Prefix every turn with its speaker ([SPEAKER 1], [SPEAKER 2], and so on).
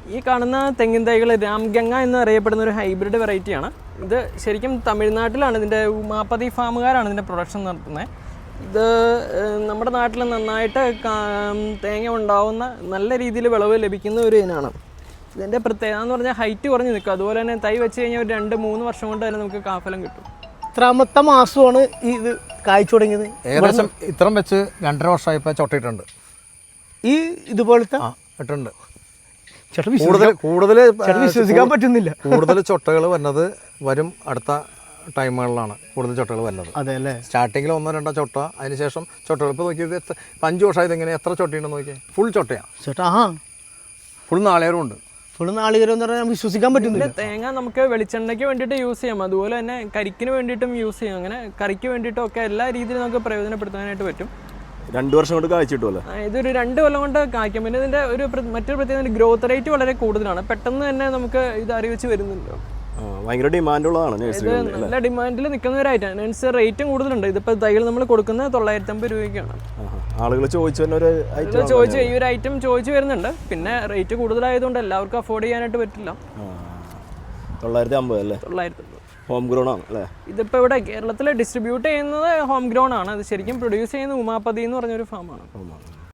[SPEAKER 1] ഈ കാണുന്ന തെങ്ങിൻ തൈകൾ രാംഗംഗ എന്നറിയപ്പെടുന്ന ഒരു ഹൈബ്രിഡ് വെറൈറ്റിയാണ്. ഇത് ശരിക്കും തമിഴ്നാട്ടിലാണ് ഇതിൻ്റെ ഉമാപതി ഫാമുകാരാണ് ഇതിൻ്റെ പ്രൊഡക്ഷൻ നടത്തുന്നത്. ഇത് നമ്മുടെ നാട്ടിൽ നന്നായിട്ട് തേങ്ങ ഉണ്ടാവുന്ന നല്ല രീതിയിൽ വിളവ് ലഭിക്കുന്ന ഒരു ഇനമാണ്. ഇതിൻ്റെ പ്രത്യേകത എന്ന് പറഞ്ഞാൽ ഹൈറ്റ് കുറഞ്ഞ് നിൽക്കും. അതുപോലെ തന്നെ തൈ വെച്ച് കഴിഞ്ഞാൽ ഒരു 2-3 വർഷം കൊണ്ട് തന്നെ നമുക്ക് കാഫലം കിട്ടും.
[SPEAKER 2] എത്രാമത്തെ മാസമാണ് ഈ ഇത് കായ്ച്ചു തുടങ്ങിയത്?
[SPEAKER 3] ഏകദേശം ഇത്രയും വെച്ച് 2.5 വർഷമായപ്പോൾ ചൊട്ടയിട്ടുണ്ട്.
[SPEAKER 2] ഈ ഇതുപോലത്തെ
[SPEAKER 3] ഇട്ടുണ്ട്.
[SPEAKER 2] കൂടുതൽ വിശ്വസിക്കാൻ പറ്റുന്നില്ല.
[SPEAKER 3] കൂടുതൽ ചൊട്ടകൾ വരും അടുത്ത ടൈമുകളിലാണ് കൂടുതൽ ചൊട്ടകൾ വരുന്നത്.
[SPEAKER 2] അതെ അല്ലേ?
[SPEAKER 3] സ്റ്റാർട്ടിങ്ങിൽ 1-2 ചൊട്ട, അതിനുശേഷം ചൊട്ടകൾ. ഇപ്പോൾ നോക്കിയത് 5 വർഷമായത് എങ്ങനെ എത്ര ചൊട്ടയുണ്ടെന്ന് നോക്കിയാൽ ഫുൾ ചൊട്ടയാണ്.
[SPEAKER 2] ചേട്ടാ
[SPEAKER 3] ഫുൾ നാളികേരം ഉണ്ട്.
[SPEAKER 2] ഫുൾ നാളികേരം എന്ന് പറഞ്ഞാൽ വിശ്വസിക്കാൻ പറ്റുന്നില്ല.
[SPEAKER 1] തേങ്ങ നമുക്ക് വെളിച്ചെണ്ണയ്ക്ക് വേണ്ടിയിട്ട് യൂസ് ചെയ്യാം, അതുപോലെ തന്നെ കരിക്കിന് വേണ്ടിയിട്ടും യൂസ് ചെയ്യാം. അങ്ങനെ കറിക്ക് വേണ്ടിയിട്ടും ഒക്കെ എല്ലാ രീതിയിലും നമുക്ക് പ്രയോജനപ്പെടുത്താനായിട്ട് പറ്റും.
[SPEAKER 4] 2 വർഷം കൊണ്ട് കായ്ച്ചു കിട്ടുമല്ലോ.
[SPEAKER 1] ഇതൊരു 2 കൊല്ലം കൊണ്ട് കായ്ക്കും. പിന്നെ ഇതിൻ്റെ മറ്റൊരു പ്രത്യേകത ഗ്രോത്ത് റേറ്റ് വളരെ കൂടുതലാണ്. പെട്ടെന്ന് തന്നെ നമുക്ക് ഇത് അറിയിച്ച് വരുന്നുണ്ട്.
[SPEAKER 4] ഭയങ്കര ഡിമാൻഡുള്ളതാണ്.
[SPEAKER 1] ഇത് നല്ല ഡിമാൻഡിൽ നിൽക്കുന്ന ഒരു ഐറ്റം. അതിനനുസരിച്ച് റേറ്റും കൂടുതലുണ്ട്. ഇതിപ്പോൾ തൈകൾ നമ്മൾ കൊടുക്കുന്നത് 950 രൂപയ്ക്കാണ്.
[SPEAKER 4] ആളുകൾ ചോദിച്ചു തന്നെ ഒരു ഐറ്റം
[SPEAKER 1] ചോദിച്ചു ഈ ഒരു ഐറ്റം ചോദിച്ചു വരുന്നുണ്ട്. പിന്നെ റേറ്റ് കൂടുതലായതുകൊണ്ട് എല്ലാവർക്കും അഫോർഡ് ചെയ്യാനായിട്ട് പറ്റില്ല.
[SPEAKER 4] 950 അല്ലേ?
[SPEAKER 1] 950.
[SPEAKER 4] ഹോം ഗ്രോൺ ആണ് അല്ലേ?
[SPEAKER 1] ഇതിപ്പോൾ ഇവിടെ കേരളത്തിൽ ഡിസ്ട്രിബ്യൂട്ട് ചെയ്യുന്നത് ഹോം ഗ്രോൺ ആണ്. അത് ശരിക്കും പ്രൊഡ്യൂസ് ചെയ്യുന്നത് ഉമാപതി എന്ന് പറഞ്ഞൊരു ഫാമാണ്.